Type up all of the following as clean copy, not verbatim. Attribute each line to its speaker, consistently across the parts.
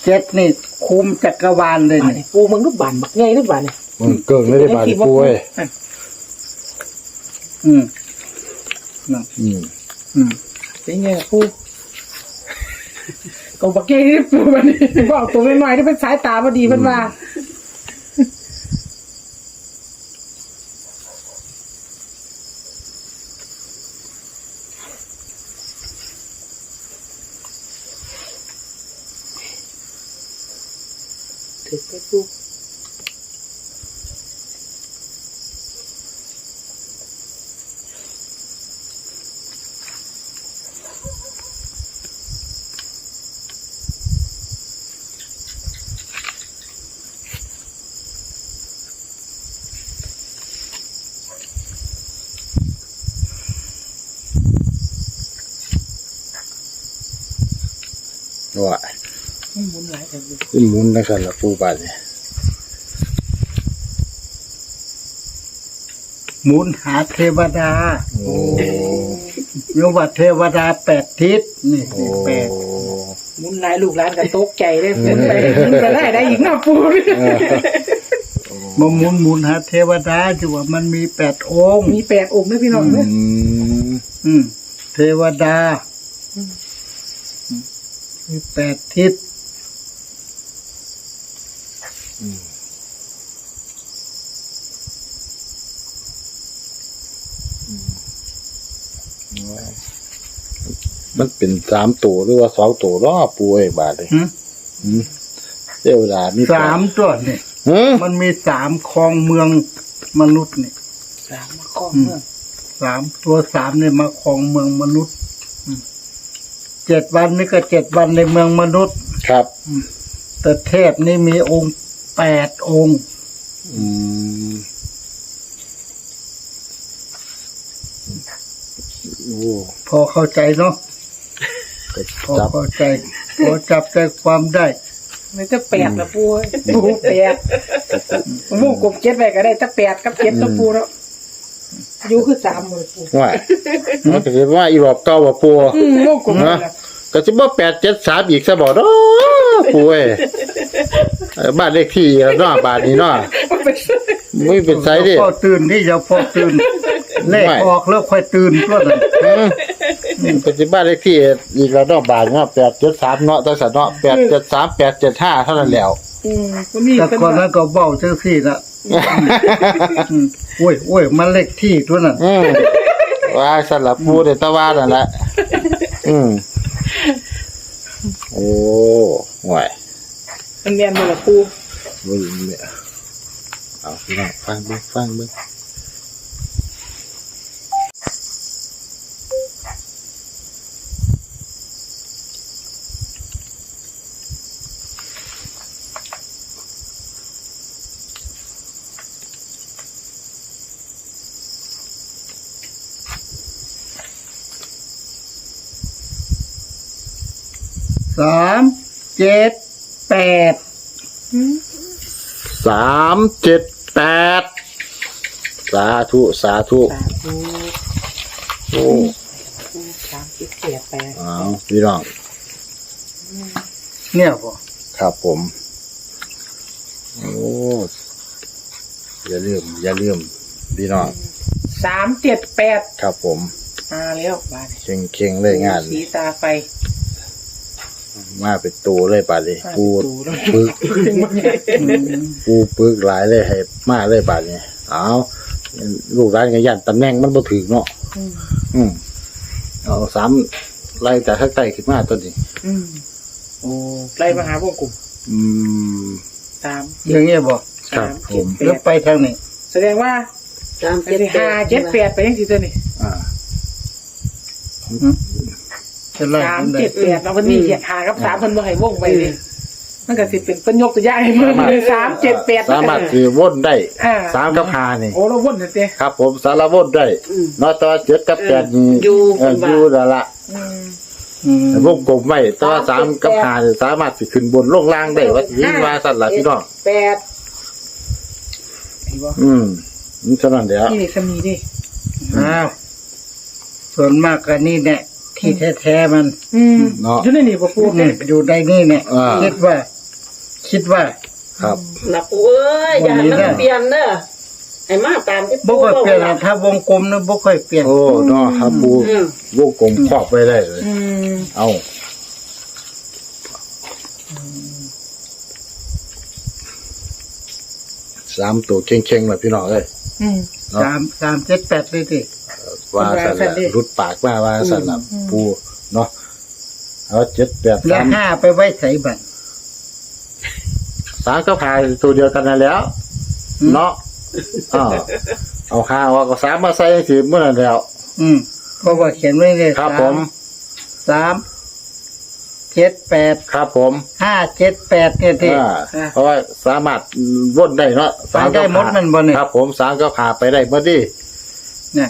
Speaker 1: เจ็ดนี่คุมจักรวาลเลย
Speaker 2: บาด
Speaker 1: นี่
Speaker 2: นี่ปูมึงรูปบานบักใหญ่รูปบานนี่
Speaker 3: มันเกิงเลยได้บาดปูเอ้ย
Speaker 1: อืม
Speaker 3: อืม
Speaker 1: อืม
Speaker 2: เป็นไงปูก็บักใหญ่นี่ปูบานนี่บอกตัวน้อยๆที่เป็นสายตาพอดีเพิ่นว่าถึงไปปู
Speaker 3: ว่า
Speaker 2: หมุนหลายแต่ปู
Speaker 3: ขึ้นหมุนนะครับละปูบาดเนี่ย
Speaker 1: หมุนหาเทวดา
Speaker 3: โอ้
Speaker 1: โยว่าเทวดา8 ทิศนี่
Speaker 3: โอ้
Speaker 1: แปด
Speaker 2: หมุนหลายลูกหลานกันตกใจเลยหมุนไปได้อีกหน้าปู
Speaker 1: มาหมุนหาเทวดาจะว่ามันมี8 องค์
Speaker 2: มี8 องค์นะพี่น้องเนี่ย
Speaker 3: อืม
Speaker 1: เทวดามี8 ทิศ
Speaker 3: มันเป็น3ตัวหรือว่า2ตัวรอปูเอ้ยบาดเลย
Speaker 1: หึ
Speaker 3: อืมเทวดามี
Speaker 1: 3 ตัวนี่
Speaker 3: ฮะ
Speaker 1: มันมี3ครองเมืองมนุษย์นี่
Speaker 2: 3มาข้องเมือง
Speaker 1: 3 เนี่ยมาครองเมืองมนุษย์7 วันนี่ก็7 วันในเมืองมนุษย์
Speaker 3: ครับ
Speaker 1: แต่เทพนี่มีองค์8 องค์
Speaker 3: อืมโอ้
Speaker 1: พอเข้าใจเนาะ
Speaker 3: ก็
Speaker 1: พอ
Speaker 3: จับ
Speaker 1: เข้าใจพอจับใจความได้
Speaker 2: ไม่จะ8ละปูปู8มูกบ7ไปก็ได้ถ้า8กับ7ตัวปูแล้วอยู่คือ3หมดปู
Speaker 3: ว่ามันก็สิว่าอีรอบเก่าว่าปู
Speaker 2: มูกบ
Speaker 3: นะก็สิบ่873อีกซะบ่เนาะปูเอ้ยบ้านเลขที่แล้วเนาะบ้านนี้เนาะไม่เป็นไสดิ
Speaker 1: พอตื่นที่จะพอตื่นเลขออกแล้วค่อยตื่นตัวนั้น
Speaker 3: เป็นสิบ้านเลขที่อีกแล้วเนาะบ้านเนาะ873เนาะจังซั่นเนาะ873 875เท่านั้นแล้ว
Speaker 2: ก็มี
Speaker 1: แต่ก่อนนั้นก็เบ้าจังซี่น่ะโอ้ยมันเลขที่ตัวนั้น
Speaker 3: ว่าซั่นล่ะปูได้ตะว่านั่นแหละโอ้ห่วย
Speaker 2: มันแม่นบ่ล่ะปู
Speaker 3: บ่รู้เนี่ยเอาพี่น้องฟังเบิ่ง
Speaker 1: 3 7 8
Speaker 3: 378สาธุ
Speaker 2: สาธุ
Speaker 3: โอ้
Speaker 2: 378
Speaker 3: เอาพี่น้อง
Speaker 1: เนี่ยบ่
Speaker 3: ครับผมโอ้อย่าลืมพี่น้อง
Speaker 2: 378
Speaker 3: ครับผม
Speaker 2: มาแล้วบาด
Speaker 3: เข่งเลยงาน
Speaker 2: สีตาไฟ
Speaker 3: มาเป็นตัวเลยป่านนี้ปู
Speaker 2: แล้ว
Speaker 3: ปึกปูปึกหลายเลยให้มาเลยป่านนี้เอาลูกร้านกันยันตำแหน่งมันบ่ถึงเนาะเอา3ไล่จากข้างใต้ขึ้นมาตัวนี้
Speaker 2: โอ้ไล่มาหาวงกลุ่ม 3
Speaker 1: อย่างเงี้ยบ่
Speaker 3: ครับผม
Speaker 1: แล้วไปทางนี้
Speaker 2: แสดงว่า578ไปยังสิตัวนี้
Speaker 1: จะไล่กันได้
Speaker 2: 378แล้ววันนี้หากับ3เพิ่นบ่ให้วงไปเลยมันก็สิเป็นเพิ่นยกตัวอย่างให้มึงเลย378
Speaker 3: สามารถคือวนได้
Speaker 2: อ่า
Speaker 3: 3กับ5นี่
Speaker 2: โอ้เราวนเด้
Speaker 3: ครับผมสารวนได้นอต7กับ8นี่อยู่แล้วล่ะวงกลมไว้แต่ว่า3กับ5นี่สามารถสิขึ้นบนลงล่างได้ว่าสิว่าสั่นล่ะพี่น้อง
Speaker 2: 8ไอ้บ่
Speaker 3: นี่เท่านั้นเดียว
Speaker 2: นี่สมีดิ
Speaker 1: อ้าวส่วนมากก็นี่แหละทที่แท้ๆมัน
Speaker 3: เนาะ
Speaker 2: อยู่ในนี่บ่ปู
Speaker 1: นี่อยู่ในนี่เนี่ย
Speaker 3: อ่า
Speaker 1: คิดว่า
Speaker 3: ครับ
Speaker 4: นะปูเอ้ยอย่าให้มันเปลี่ยนเด้อให้มาตามที่
Speaker 1: บ่
Speaker 4: ปู
Speaker 1: ค่อยเปลี่ยน
Speaker 4: บอก
Speaker 1: ถ้าวงกลมนะบ่ค่อยเปลี่ยน
Speaker 3: โอ้เนาะครับปู
Speaker 4: อืม
Speaker 3: วงกลมครอบไว้ได้เลย เอา3ตัวเข่งๆเลยพี่น้องเอ้ย เนาะ
Speaker 1: 3 7 8เลยดิ
Speaker 3: ว่าสั่นละรุดปากมาว่าสั่นละปูเนาะเอา7 8
Speaker 1: แล้ว
Speaker 3: 3
Speaker 1: 5ไปไว้ใส่บัตร
Speaker 3: 3ก็พายตัวเดียวกันนั่นแล้ว เนาะเอา5ว่าก็3มาใส่สิเมื่อนั้นแล้ว
Speaker 1: เพราะว่าเขียนไว้เลย
Speaker 3: ครับผม
Speaker 1: 3 7 8
Speaker 3: ครับผม
Speaker 1: 5 7 8เนี่ยที่
Speaker 3: เพราะว่าสามารถวนได้เนาะ
Speaker 1: ไปได้หมดมันบ่เนี่ย
Speaker 3: ครับผม3ก็พาไปได้เมื่อดี
Speaker 1: เนี่ย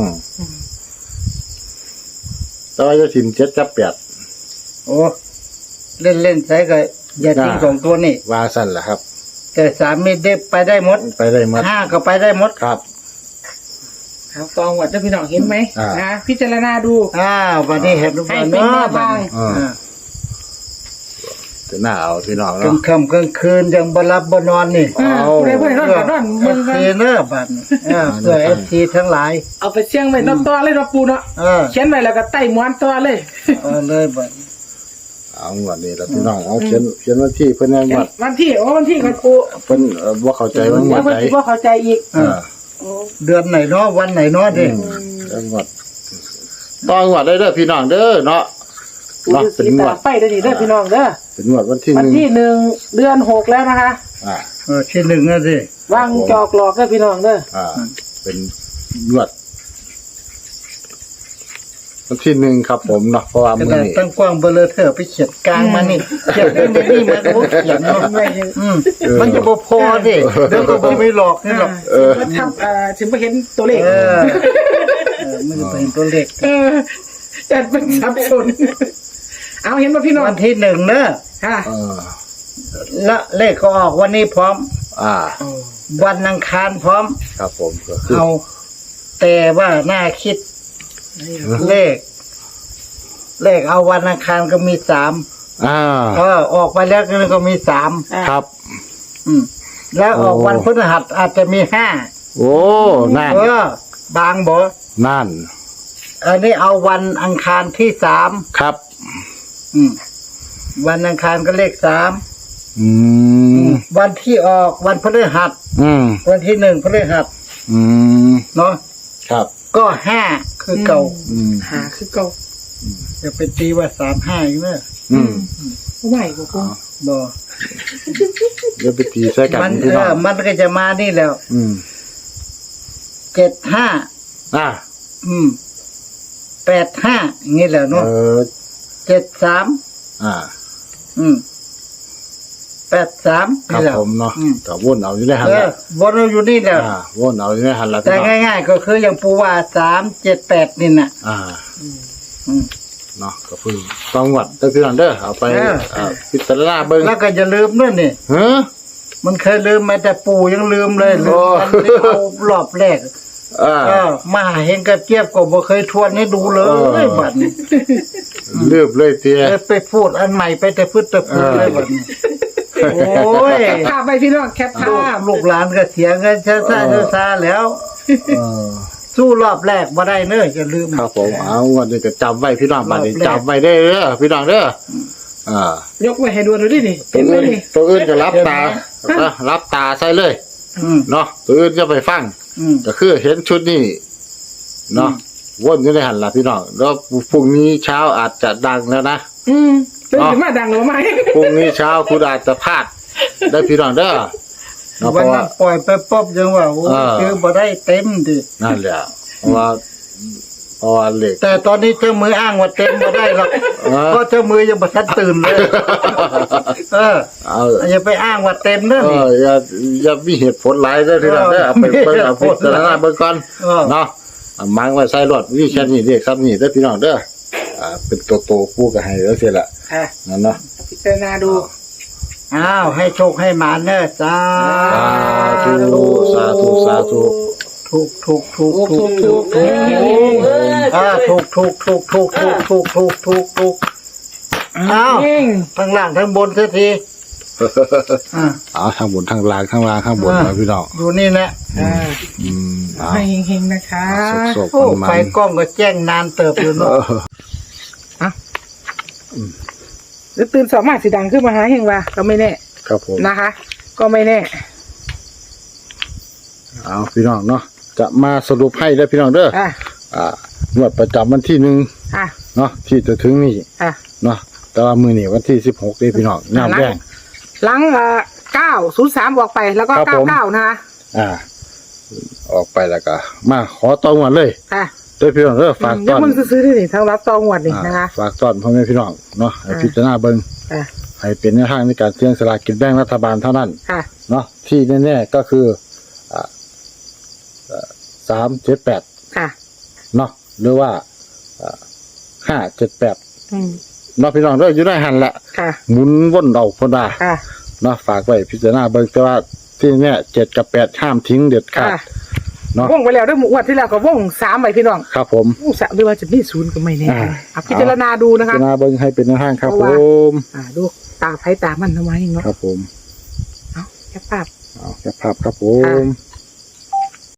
Speaker 3: แต่ว่าจะถิ่ม7กับ8
Speaker 1: โอ้เล่นใส่ก็อย่าทิ้ง
Speaker 3: อ่า
Speaker 1: สองตัวนี่
Speaker 3: ว่าสั่นล่ะครับ
Speaker 1: แต่3มีเด็บไปได้หมด
Speaker 3: ไปได้หมด
Speaker 1: 5ก็ไปได้หมด
Speaker 3: ครับ
Speaker 2: ครับตองวัดเจ้าพี่น้องเห็นไหม
Speaker 3: อ่าน
Speaker 2: นะพิจารณาดู
Speaker 1: วันนี้เห็นรูป
Speaker 2: ให้
Speaker 1: บ้าน
Speaker 2: เป็น
Speaker 1: เนาะ
Speaker 2: แนวทาง
Speaker 3: จะหน้าเอาพี่น้อง
Speaker 1: กลา
Speaker 3: เนาะ
Speaker 1: งค่ำกลางคืนยังบ่หลับบ่นอนนี่
Speaker 2: ผู้ใดผู้ใดนอนก็นอนมึง
Speaker 1: เอ
Speaker 2: กัน
Speaker 1: ฟซีเนอะบัดนี้เพื่อเอฟซีทั้งหลาย
Speaker 2: เอาไปเสี่ยงไว้นอกตัวเลยเนาะปูเนาะ เขียนไว้แล้วก็ไต่ม้วนตัวเลย
Speaker 1: เอาเลยบัด
Speaker 3: เอางวดนี้ละพี่น้องเอาเขียนวันที่เพิ่นยังวัด
Speaker 2: วันที่วันที่กับปู
Speaker 3: เพิ่นบ่เข้าใจว่างว
Speaker 2: แล้ว
Speaker 3: ด
Speaker 2: เพิ่น
Speaker 3: ไหน
Speaker 2: สิบ่เข้าใจอีก
Speaker 1: เดือนไหนเนาะวันไหนเนาะดิ
Speaker 3: จังหวัดต้องงวดได้เด้อพี่น้องเด้อเนาะ
Speaker 2: ปู
Speaker 3: เนาะ
Speaker 2: ฤา
Speaker 3: เป็น
Speaker 2: ษี
Speaker 3: งว
Speaker 2: ตา
Speaker 3: ด
Speaker 2: ไฟเด้อนี่เด้อพี่น้องเด้อ
Speaker 3: เป็นงวดวันที่
Speaker 2: วันที่ 1 เดือน 6 แล้วนะคะ
Speaker 1: ที่หนึ่งนะสิ
Speaker 2: วางจอกหลอกเด้อพี่น้องเด้อ
Speaker 3: เป็นงวดวันที่1ครับผมเนาะเพราะว่า
Speaker 1: ข
Speaker 3: มื้อ
Speaker 1: นาด
Speaker 3: นี้
Speaker 1: ตั้งกว้างเบลอเธอไปเขียนกลางมานี่เขียนได้ไม่นี่มันก็เขียนเนาะมันจะบ่พอดิเดี๋ยวก็บ่ไม่หลอกนี่หรอก
Speaker 2: มาทำถึงไปเห็นตัวเลข
Speaker 1: มันจะเป็นตัวเลข
Speaker 2: แต่เป็นสับสนเอาเห็นป่ะพี่น้อง
Speaker 1: วันที่หนึ่งเนอะ
Speaker 2: ค่ะ
Speaker 1: และเลขก็ออกวันนี้พร้อม วันอังคารพร้อม
Speaker 3: ครับผมก็คือ
Speaker 1: เอาแต่ว่าน่าคิดเลขเอาวันอังคารก็มี3ออกไปแล้วก็มี3
Speaker 3: ครับ
Speaker 1: แล้วออกวันพฤหัสอาจจะมี5
Speaker 3: โอ้นั่น
Speaker 1: บางบ่
Speaker 3: นั่น
Speaker 1: อันนี้เอาวันอังคารที่3
Speaker 3: ครับ
Speaker 1: วันอังคารก็เลข3วันที่ออกวันพฤหัสวันที่1พฤหัสเนาะ
Speaker 3: ครับ
Speaker 1: ก็5คือเก่า
Speaker 2: หาคือเก่า
Speaker 1: จะไปตีว่า35อีกเนอะ
Speaker 2: ไหวบ่ปู
Speaker 1: บ่
Speaker 3: เดี๋ยวไปตีใส่กัน
Speaker 1: มัน
Speaker 3: พี่น้อง
Speaker 1: มันก็จะมานี่แล้ว75 85งี้แหละเนาะ73 83
Speaker 3: ครับ
Speaker 1: นี่แหละ
Speaker 3: ผมเนาะก็วนเอาอยู่ในหันละ
Speaker 1: วนอยู่นี่แหละ
Speaker 3: วนเอาอยู่ในหันละ
Speaker 1: แต่ง่ายๆก็คืออย่างปูว่า378นี่น่ะ
Speaker 3: เนาะก็คือต้องวัดเด้อพี่น้องเด้อเอาไปพิจารณาเบิ่ง
Speaker 1: แล้วก็อย่าลืมด้วยนี่ มันเคยลืมมาแต่ปู่ยังลืมเลยลืมมันไม่เอารอบแรกมาหาเห็นกับเจี๊ยบก็บ่เคยทวนให้ดูเลยบัดนี้
Speaker 3: ลืบเลยเตี้ย
Speaker 1: ไปพูดอันใหม่ไปแต่พืชแต่พืชเลยบัดนี้โอ้ย
Speaker 2: ภาพไปพี่น้องแคปภาพ
Speaker 1: ลูกหลานก็เสียเงินช้าๆแล้ว สู้รอบแรกบ่ได้เน้ออย่าลืม
Speaker 3: ครับผมเอาวันนี้ก็จำไว้พี่น้องบัดนี้จำไว้ได้เด้อพี่น้องเด้อย
Speaker 2: กไว้ให้ดูหน่อยดินี่
Speaker 3: ตัว
Speaker 2: เห็นไหม
Speaker 3: อื่น
Speaker 2: นี่
Speaker 3: ตัวอื่นก็รับตารับตาใส่เลยเนาะตัวอื่นจะไปฟังก็คือเห็นชุดนี้เนาะวนอยู่ในหันละพี่น้องแล้วพรุ่งนี้เช้าอาจจะดังแล้วนะ
Speaker 2: เป็นถึงมาดังหรือไม่
Speaker 3: พรุ่งนี้เช้าคุณอาจจะพลาดได้พี่น้องเด้อเนาะเพ
Speaker 1: วัน
Speaker 3: ราะ
Speaker 1: นั้
Speaker 3: ว่าน
Speaker 1: ปล่อยไปป๊อบยังว่าโอ้คือบ่ได้เต็มดิ
Speaker 3: นั่นแหละเพราะว่าเหล็ก
Speaker 1: แต่ตอนนี้เจ้ามืออ้างว่าเต็มบ่ได้หรอกเพราะเจ้ามือยังบ่ทันตื่นเลยอย่าไปอ้างว่าเต็มเด้อนี่
Speaker 3: อย่ามีเหตุผลหลายเด้อพี่น้องเด้อเอาไปเบิ่งเอาพิจารณาเบิ่งก่อนเนาะมังไว้ใส่รถวิแค่นี้เรียกซ้ำนี่เด้อพี่น้องเด้อเป็นตัวโตปูก็ให้แล้วเสียละนั่นเนาะ
Speaker 2: พิจารณาดู
Speaker 1: อ้าวให้โชคให้หมาเนอะสา
Speaker 3: สาธุ
Speaker 1: ถูก
Speaker 4: เอ้ย
Speaker 1: ถูกอ้าว
Speaker 2: เอง
Speaker 1: ทั้งล่างทั้งบนเสียทีอ่า
Speaker 3: เอาทางบนทางล่างข้างล่างข้างบนนะพี่น้อง
Speaker 1: อยู่นี่แหละ
Speaker 3: เอา
Speaker 2: ให้เฮงๆนะคะ
Speaker 3: สก
Speaker 1: โอ้
Speaker 3: ๆมัน
Speaker 1: ไฟกล้องก็แจ้งนานเติบอยู่
Speaker 3: ๆ
Speaker 1: เนาะ
Speaker 2: หรือตื่นสองมาสีดังขึ้นมาหาเฮงว่าก็ไม่แน่
Speaker 3: ครับผม
Speaker 2: นะคะ ก็ไม่แน่
Speaker 3: เอาพี่น้องเนาะจะมาสรุปให้ได้อพี่น้องเด้อ
Speaker 2: อ่ะ
Speaker 3: งวดประจำวันที่1
Speaker 2: อ่ะ
Speaker 3: เนาะที่จะถึงนี่
Speaker 2: อ่ะ
Speaker 3: เนาะแต่ว่ามือนี่วันที่16นี่พี่น้องน้ำแดง
Speaker 2: หลัง903บอกไปแล้วก็
Speaker 3: ครับผม
Speaker 2: 99นะคะ
Speaker 3: ออกไปแล้วก็มาขอตองวันเลย
Speaker 2: อ่ะ
Speaker 3: เด้อพี่น้องเด้อฝาก
Speaker 2: ยั
Speaker 3: ต้
Speaker 2: ง
Speaker 3: อน
Speaker 2: มึงซื้อๆนี่ทั้งรับตองวดนี่นะคะ
Speaker 3: ฝากต้อนพ่อแม่พี่น้องเนาะให้พิจารณาเบิ่ง
Speaker 2: อ่ะ
Speaker 3: ให้เป็นแนวทางในการเสี่ยงสลากกินแบ่งรัฐบาลเท่านั้น
Speaker 2: ค่ะ
Speaker 3: เนาะที่แน่ๆก็คือ378
Speaker 2: ค่ะ
Speaker 3: เนาะหรือว่า578
Speaker 2: อืม
Speaker 3: เนาะพี่น้องเด้ออยู่ได้หันแหละ
Speaker 2: ค่ะ
Speaker 3: หมุนวนเอาพอดา
Speaker 2: ค่ะ
Speaker 3: เนาะฝากไว้พิจารณาเบิ่งแต่ว่าที่เนี่ย7กับ8ห้ามทิ้งเด็ดขาด
Speaker 2: ค่ะ
Speaker 3: เนาะ
Speaker 2: ว่องไปแล้วด้วยหมู่อวดที่แล้วก็ว่อง3ไปพี่น้อง
Speaker 3: ครับผม
Speaker 2: ว่อง3หรือว่าจะมี0ก็ไม่แน่
Speaker 3: อ่า
Speaker 2: อ่ะพิจารณาดูนะ
Speaker 3: พิ
Speaker 2: คะ
Speaker 3: จารณาเบิ่งให้เป็นแนวทางครับ
Speaker 2: เพ
Speaker 3: ผ
Speaker 2: ราะว่า
Speaker 3: ม
Speaker 2: ดูตาไผตามันทำไมเนาะ
Speaker 3: ครับผม
Speaker 2: เอาแค่ภาพ
Speaker 3: เอาแค่ภาพครับผม
Speaker 2: ค่ะ